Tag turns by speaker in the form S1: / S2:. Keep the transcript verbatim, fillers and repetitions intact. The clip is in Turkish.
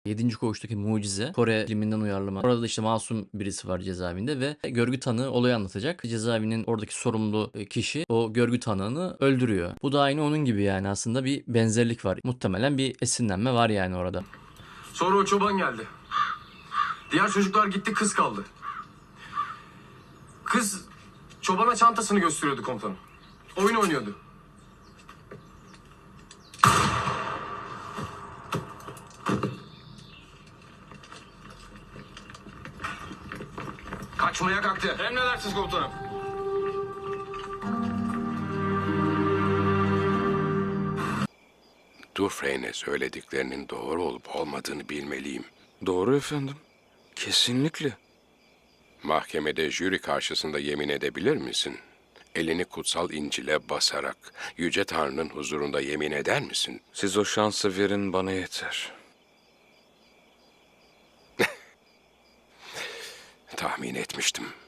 S1: Yedinci Koğuş'taki Mucize, Kore filminden uyarlama. Orada da işte masum birisi var cezaevinde ve görgü tanığı olayı anlatacak. Cezaevinin oradaki sorumlu kişi o görgü tanığını öldürüyor. Bu da aynı onun gibi yani aslında bir benzerlik var. Muhtemelen bir esinlenme var yani orada.
S2: Sonra o çoban geldi. Diğer çocuklar gitti, kız kaldı. Kız çobana çantasını gösteriyordu komutanım. Oyun oynuyordu. Kaçmaya kalktı. Emredersiniz komutanım.
S3: Dufresne söylediklerinin doğru olup olmadığını bilmeliyim.
S4: Doğru efendim. Kesinlikle.
S3: Mahkemede jüri karşısında yemin edebilir misin? Elini kutsal İncil'e basarak Yüce Tanrı'nın huzurunda yemin eder misin?
S4: Siz o şansı verin, bana yeter.
S3: Tahmin etmiştim.